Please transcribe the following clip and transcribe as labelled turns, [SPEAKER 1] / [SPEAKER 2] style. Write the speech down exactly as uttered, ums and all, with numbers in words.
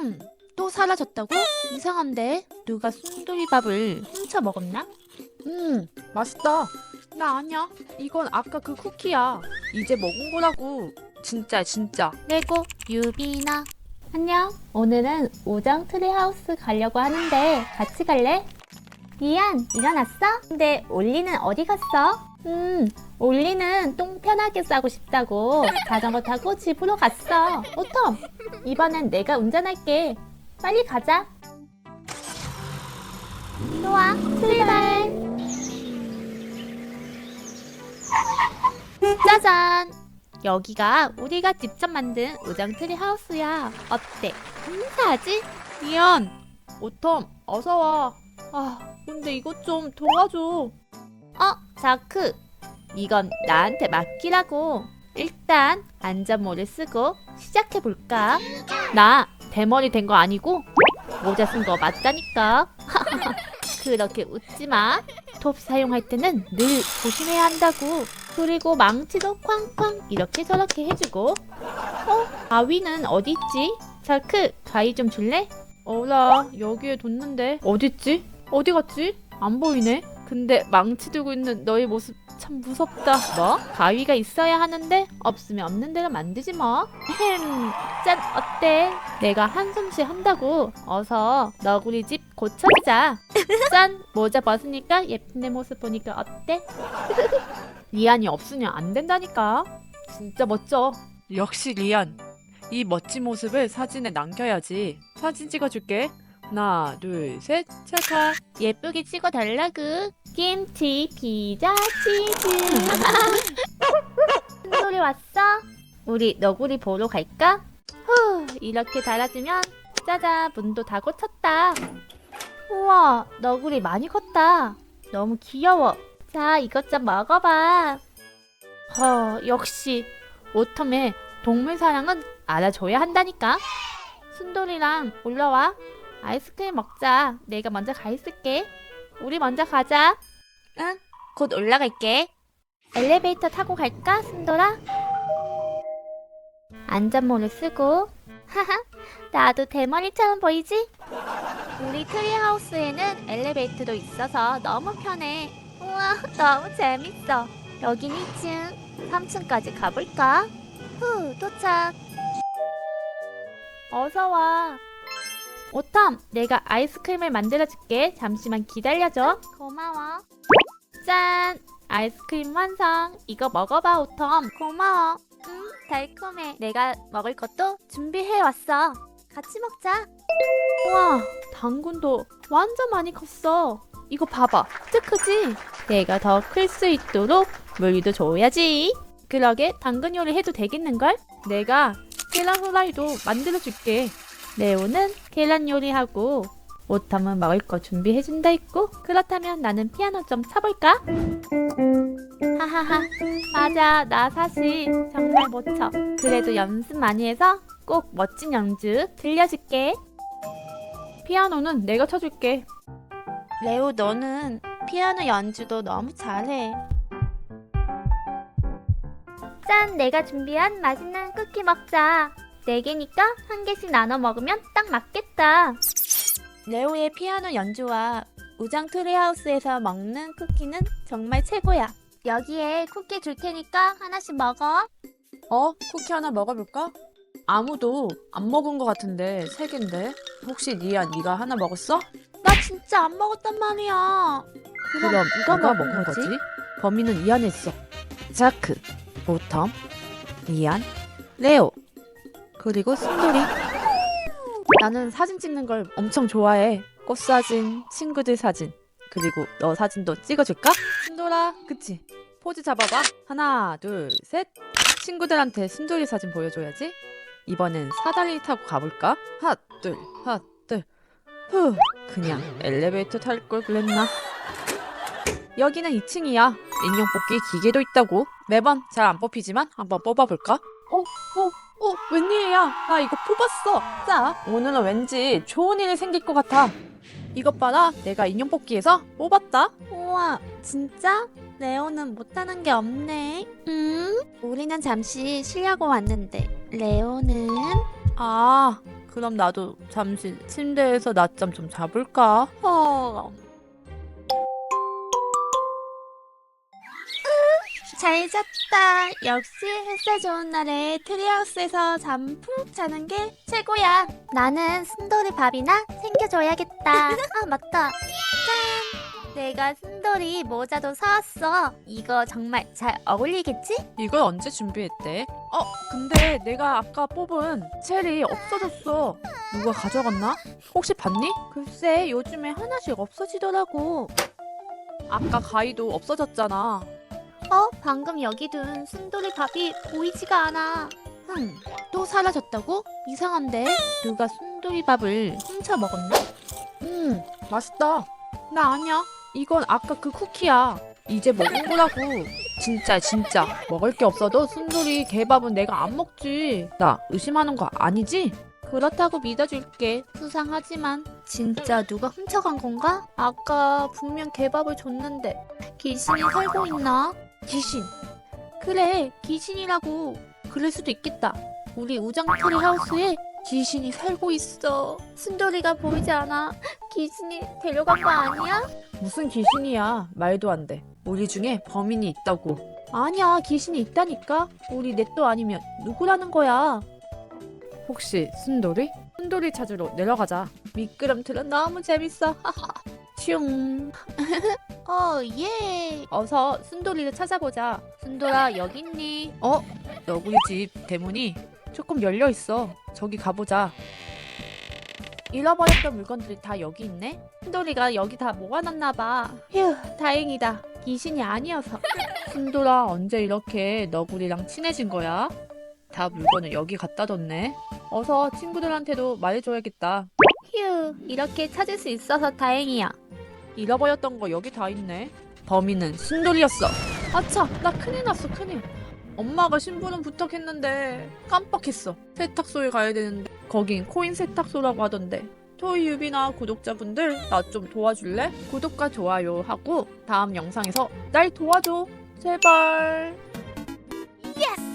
[SPEAKER 1] 음, 또 사라졌다고? 이상한데? 누가 순두리밥을 훔쳐 먹었나?
[SPEAKER 2] 음, 맛있다. 나 아니야. 이건 아까 그 쿠키야. 이제 먹은 거라고. 진짜, 진짜.
[SPEAKER 1] 레고 유비나. 안녕. 오늘은 우정 트리하우스 가려고 하는데 같이 갈래? 리안, 일어났어? 근데 올리는 어디 갔어? 음, 올리는 똥 편하게 싸고 싶다고 자전거 타고 집으로 갔어. 오톰, 이번엔 내가 운전할게. 빨리 가자. 좋아, 출발. 짜잔! 여기가 우리가 직접 만든 우정 트리 하우스야. 어때? 감사하지?
[SPEAKER 2] 리안, 오텀, 어서 와. 아, 근데 이것 좀 도와줘.
[SPEAKER 1] 어, 자크. 이건 나한테 맡기라고. 일단 안전모를 쓰고 시작해볼까? 나 대머리 된 거 아니고 모자 쓴 거 맞다니까. 그렇게 웃지 마. 톱 사용할 때는 늘 조심해야 한다고. 그리고 망치도 쾅쾅 이렇게 저렇게 해주고. 어? 가위는 어디 있지? 자크, 가위 좀 줄래?
[SPEAKER 2] 어라, 여기에 뒀는데. 어딨지? 어디 갔지? 안 보이네. 근데 망치 들고 있는 너의 모습 참 무섭다.
[SPEAKER 1] 뭐? 가위가 있어야 하는데 없으면 없는 대로 만들지 뭐. 햄, 짠, 어때? 내가 한숨쉬 한다고. 어서 너구리 집 고쳐주자. 짠, 모자 벗으니까 예쁜 내 모습 보니까 어때?
[SPEAKER 2] 리안이 없으면 안 된다니까. 진짜 멋져. 역시 리안. 이 멋진 모습을 사진에 남겨야지. 사진 찍어줄게. 하나, 둘, 셋, 찰칵.
[SPEAKER 1] 예쁘게 찍어달라구. 김치, 피자, 치즈. 순돌이 왔어? 우리 너구리 보러 갈까? 후, 이렇게 달아주면 짜잔, 문도 다 고쳤다. 우와, 너구리 많이 컸다. 너무 귀여워. 자, 이것 좀 먹어봐. 허, 역시 오텀의 동물 사랑은 알아줘야 한다니까. 순돌이랑 올라와. 아이스크림 먹자. 내가 먼저 가 있을게. 우리 먼저 가자. 응, 곧 올라갈게. 엘리베이터 타고 갈까, 순돌아? 안전모를 쓰고. 하하, 나도 대머리처럼 보이지? 우리 트리하우스에는 엘리베이터도 있어서 너무 편해. 우와, 너무 재밌어. 여긴 이 층, 삼 층까지 가볼까? 후, 도착. 어서 와. 오텀, 내가 아이스크림을 만들어줄게. 잠시만 기다려줘. 고마워. 짠! 아이스크림 완성. 이거 먹어봐, 오텀. 고마워. 음, 달콤해. 내가 먹을 것도 준비해왔어. 같이 먹자. 우와, 당근도 완전 많이 컸어. 이거 봐봐. 진짜 크지? 내가 더 클 수 있도록 물도 줘야지. 그러게, 당근 요리 해도 되겠는걸?
[SPEAKER 2] 내가 계란 후라이도 만들어줄게.
[SPEAKER 1] 레오는 계란 요리하고 오텀은 먹을 거 준비해준다 했고, 그렇다면 나는 피아노 좀 쳐볼까? 하하하, 맞아, 나 사실 정말 못 쳐. 그래도 연습 많이 해서 꼭 멋진 연주 들려줄게.
[SPEAKER 2] 피아노는 내가 쳐줄게.
[SPEAKER 1] 레오, 너는 피아노 연주도 너무 잘해. 짠, 내가 준비한 맛있는 쿠키 먹자. 네 개니까 한 개씩 나눠 먹으면 딱 맞겠다. 레오의 피아노 연주와 우정 트리하우스에서 먹는 쿠키는 정말 최고야. 여기에 쿠키 줄 테니까 하나씩 먹어.
[SPEAKER 2] 어? 쿠키 하나 먹어볼까? 아무도 안 먹은 것 같은데 세 개인데. 혹시 리안 네가 하나 먹었어?
[SPEAKER 1] 나 진짜 안 먹었단 말이야.
[SPEAKER 2] 그럼 누가 먹은 거지? 범인은 이 안에 있어. 자크, 오텀, 리안, 레오, 그리고 순돌이. 나는 사진 찍는 걸 엄청 좋아해. 꽃사진, 친구들 사진, 그리고 너 사진도 찍어줄까? 순돌아, 그치? 포즈 잡아봐. 하나, 둘, 셋. 친구들한테 순돌이 사진 보여줘야지. 이번엔 사다리 타고 가볼까? 하나, 둘, 하나, 둘. 후, 그냥 엘리베이터 탈 걸 그랬나? 여기는 이 층이야. 인형 뽑기 기계도 있다고. 매번 잘 안 뽑히지만 한번 뽑아볼까? 어, 어, 어, 웬일이야? 나 이거 뽑았어. 자, 오늘은 왠지 좋은 일이 생길 것 같아. 이것 봐라. 내가 인형 뽑기에서 뽑았다.
[SPEAKER 1] 우와, 진짜? 레오는 못하는 게 없네. 음? 우리는 잠시 쉬려고 왔는데 레오는?
[SPEAKER 2] 아, 그럼 나도 잠시 침대에서 낮잠 좀 자볼까? 어...
[SPEAKER 1] 잘 잤다. 역시 햇살 좋은 날에 트리하우스에서 잠 푹 자는 게 최고야. 나는 순돌이 밥이나 챙겨줘야겠다. 아 맞다. 짠! 내가 순돌이 모자도 사왔어. 이거 정말 잘 어울리겠지?
[SPEAKER 2] 이걸 언제 준비했대? 어, 근데 내가 아까 뽑은 첼이 없어졌어. 누가 가져갔나? 혹시 봤니? 글쎄, 요즘에 하나씩 없어지더라고. 아까 가위도 없어졌잖아.
[SPEAKER 1] 어? 방금 여기 둔 순돌이 밥이 보이지가 않아.
[SPEAKER 2] 흠, 또 사라졌다고? 이상한데? 누가 순두리 밥을 훔쳐 먹었나? 음, 맛있다. 나 아니야. 이건 아까 그 쿠키야. 이제 먹은 거라고. 진짜 진짜 먹을 게 없어도 순두리 개밥은 내가 안 먹지. 나 의심하는 거 아니지? 그렇다고 믿어줄게. 수상하지만.
[SPEAKER 1] 진짜 누가 훔쳐간 건가? 아까 분명 개밥을 줬는데 귀신이 살고 있나?
[SPEAKER 2] 귀신.
[SPEAKER 1] 그래, 귀신이라고. 그럴 수도 있겠다. 우리 우정트리 하우스에 귀신이 살고 있어. 순돌이가 보이지 않아. 귀신이 데려간 거 아니야?
[SPEAKER 2] 무슨 귀신이야. 말도 안 돼. 우리 중에 범인이 있다고. 아니야, 귀신이 있다니까. 우리 넷도 아니면 누구라는 거야. 혹시 순돌이? 순돌이 찾으러 내려가자. 미끄럼틀은 너무 재밌어. 슝.
[SPEAKER 1] 어, 예.
[SPEAKER 2] 어서 순돌이를 찾아보자.
[SPEAKER 1] 순돌아, 여기 있니?
[SPEAKER 2] 어? 너구리 집 대문이 조금 열려 있어. 저기 가보자. 잃어버렸던 물건들이 다 여기 있네? 순돌이가 여기 다 모아놨나 봐. 휴, 다행이다. 귀신이 아니어서. 순돌아, 언제 이렇게 너구리랑 친해진 거야? 다 물건을 여기 갖다 뒀네. 어서 친구들한테도 말해줘야겠다.
[SPEAKER 1] 휴, 이렇게 찾을 수 있어서 다행이야.
[SPEAKER 2] 잃어버렸던 거 여기 다 있네. 범인은 순돌이였어. 아차, 나 큰일 났어, 큰일. 엄마가 심부름 부탁했는데 깜빡했어. 세탁소에 가야 되는데 거긴 코인 세탁소라고 하던데. 토이 유비나 구독자분들 나 좀 도와줄래? 구독과 좋아요 하고 다음 영상에서 날 도와줘. 제발.
[SPEAKER 1] 예스!